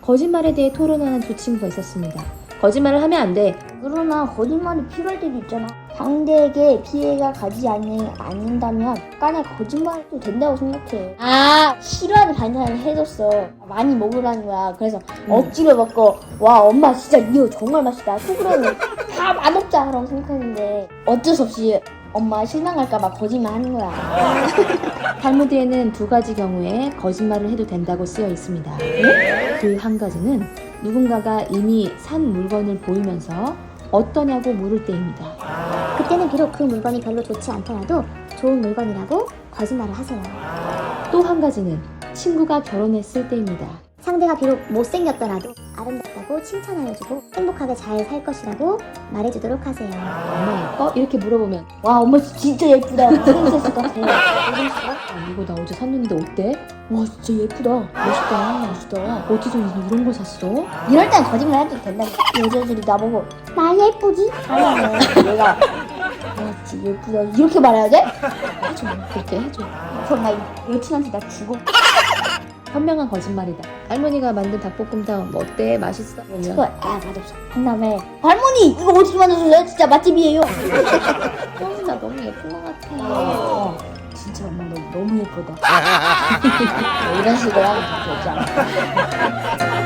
거짓말에 대해 토론하는 두 친구가 있었습니다. 거짓말을 하면 안 돼. 그러나 거짓말이 필요할 때도 있잖아. 상대에게 피해가 가지 않는다면 약간의 거짓말도 된다고 생각해. 싫어하는 반찬을 해줬어. 많이 먹으라는 거야. 그래서 억지로 먹고 와 엄마 진짜 이거 정말 맛있다. 속으로는 다 맛없다 라고 생각했는데 어쩔 수 없이 엄마 실망할까봐 거짓말 하는 거야. 탈무드에는 두 가지 경우에 거짓말을 해도 된다고 쓰여 있습니다. 그 한 가지는 누군가가 이미 산 물건을 보이면서 어떠냐고 물을 때입니다. 그때는 비록 그 물건이 별로 좋지 않더라도 좋은 물건이라고 거짓말을 하세요. 또 한 가지는 친구가 결혼했을 때입니다. 상대가 비록 못생겼더라도 아름답다고 칭찬하여주고 행복하게 잘 살 것이라고 말해주도록 하세요. 엄마 예뻐? 이렇게 물어보면 와 엄마 진짜 예쁘다. 프린세스 같아. 이거 나 어제 샀는데 어때? 와 진짜 예쁘다. 멋있다. 어디서 이런 거 샀어? 이럴 땐 거짓말 해도 된다고. 여자들이 나보고 나 예쁘지? 하면 내가 와 진짜 예쁘다 이렇게 말해야 돼? 해줘. 그렇게 해줘. 그럼 나 여친한테 나 주고 현명한 거짓말이다. 할머니가 만든 닭볶음탕 뭐 어때? 맛있어? 그거 그러면 맛없어 한 다음에 할머니 이거 어디서 만드셨어요? 진짜 맛집이에요. 나 너무 예쁜 것 같아. 진짜 엄마 너 너무 예쁘다. 이런 식으로 하면 되지 않아?